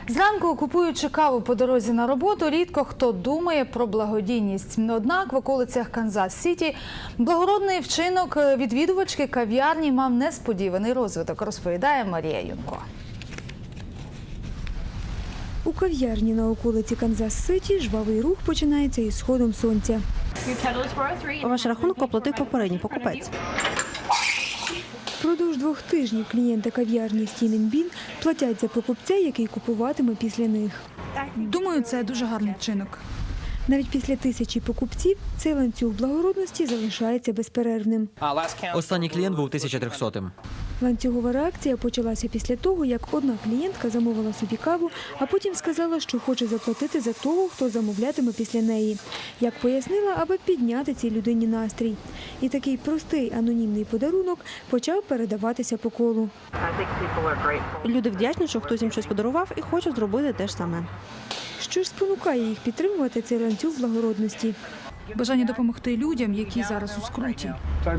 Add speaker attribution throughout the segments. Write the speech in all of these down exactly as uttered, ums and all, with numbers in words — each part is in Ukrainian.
Speaker 1: Зранку, купуючи каву по дорозі на роботу, рідко хто думає про благодійність. Однак в околицях Канзас-Сіті благородний вчинок відвідувачки кав'ярні мав несподіваний розвиток, розповідає Марія Юнко.
Speaker 2: У кав'ярні на околиці Канзас-Сіті жвавий рух починається із сходом сонця.
Speaker 3: Ваш рахунок оплатив попередній покупець.
Speaker 2: Впродовж двох тижнів клієнти кав'ярні Стім Бін платять за покупця, який купуватиме після них.
Speaker 4: Думаю, це дуже гарний вчинок.
Speaker 2: Навіть після тисячі покупців цей ланцюг благородності залишається безперервним.
Speaker 5: Останній клієнт був тисяча трьохсотим.
Speaker 2: Ланцюгова реакція почалася після того, як одна клієнтка замовила собі каву, а потім сказала, що хоче заплатити за того, хто замовлятиме після неї. Як пояснила, аби підняти цій людині настрій. І такий простий анонімний подарунок почав передаватися по колу.
Speaker 3: Люди вдячні, що хтось їм щось подарував і хочуть зробити те ж саме.
Speaker 2: Що ж спонукає їх підтримувати цей ланцюг благородності?
Speaker 4: Бажання допомогти людям, які зараз у скруті.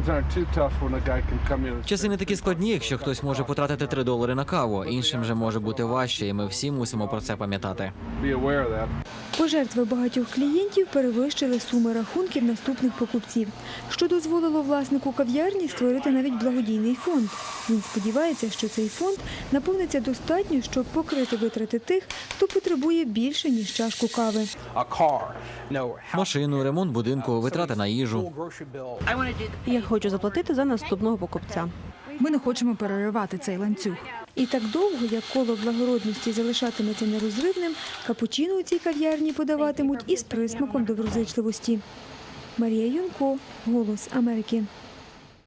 Speaker 5: Часи не такі складні, якщо хтось може потратити три долари на каву. Іншим же може бути важче, і ми всі мусимо про це пам'ятати.
Speaker 2: Пожертви багатьох клієнтів перевищили суми рахунків наступних покупців, що дозволило власнику кав'ярні створити навіть благодійний фонд. Він сподівається, що цей фонд наповниться достатньо, щоб покрити витрати тих, хто потребує більше, ніж чашку кави.
Speaker 5: Машину, ремонт будинку, витрати на їжу.
Speaker 3: Я хочу заплатити за наступного покупця.
Speaker 4: Ми не хочемо переривати цей ланцюг.
Speaker 2: І так довго, як коло благородності залишатиметься нерозривним, капучино у цій кав'ярні подаватимуть із присмаком доброзичливості. Марія Юнко, «Голос Америки».